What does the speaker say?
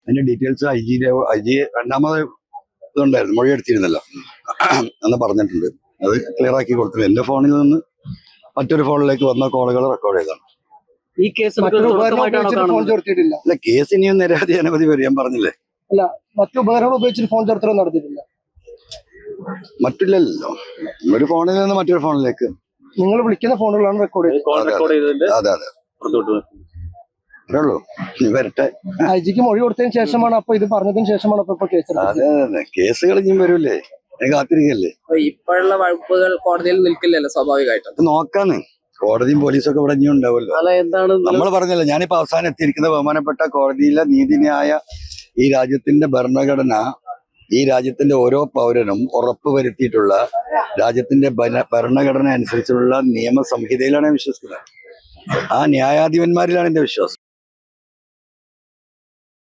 അതിന്റെ details I G രണ്ടാമത് ഇതുണ്ടായിരുന്നു, മൊഴി എടുത്തിരുന്നല്ലോ എന്ന് പറഞ്ഞിട്ടുണ്ട്. അത് ക്ലിയർ ആക്കി കൊടുത്തു. എന്റെ ഫോണിൽ നിന്ന് മറ്റൊരു ഫോണിലേക്ക് വന്ന കോളുകൾ റെക്കോർഡ് ചെയ്താണ്. ഈ കേസ് ഫോൺ ചോർത്തിയിട്ടില്ല. അല്ല, കേസ് ഇനിയും നിരവധി അനവധി പേര് ഞാൻ പറഞ്ഞില്ലേ. അല്ല, മറ്റു ഉപകരണങ്ങൾ ഉപയോഗിച്ചിട്ട് ഫോൺ ചോർത്തലും നടത്തിയിട്ടില്ല. മറ്റില്ലല്ലോ, ഒരു ഫോണിൽ നിന്ന് മറ്റൊരു ഫോണിലേക്ക് നിങ്ങൾ വിളിക്കുന്ന ഫോണുകളാണ് റെക്കോർഡ് ചെയ്തത്. അതെ അതെ, അത്രേ ഉള്ളൂ. ഇനി വരട്ടെ. ഐ ജിക്ക് മൊഴി കൊടുത്തതിന് ശേഷമാണ് അപ്പൊ ഇത് പറഞ്ഞതിന് ശേഷമാണ് ഇപ്പൊ കേസ്. അതെ അതെ, കേസുകൾ ഇനിയും വരൂലേ, കാത്തിരിക്കല്ലേ. ഇപ്പോഴുള്ള വകുപ്പുകൾ കോടതിയിൽ നിൽക്കില്ലല്ലോ സ്വാഭാവികമായിട്ടും. നോക്കാന്ന് കോടതിയും പോലീസും ഒക്കെ ഇവിടെ ഇനിയും ഉണ്ടാവുമല്ലോ. നമ്മൾ പറഞ്ഞല്ലോ, ഞാനിപ്പോ അവസാനം എത്തിയിരിക്കുന്ന ബഹുമാനപ്പെട്ട കോടതിയിലെ നീതിന്യായ ഈ രാജ്യത്തിന്റെ ഭരണഘടന, ഈ രാജ്യത്തിന്റെ ഓരോ പൗരനും ഉറപ്പുവരുത്തിയിട്ടുള്ള രാജ്യത്തിന്റെ ഭരണഘടന അനുസരിച്ചുള്ള നിയമസംഹിതയിലാണ് ഞാൻ വിശ്വസിക്കുന്നത്. ആ ന്യായാധിപന്മാരിലാണ് എന്റെ വിശ്വാസം.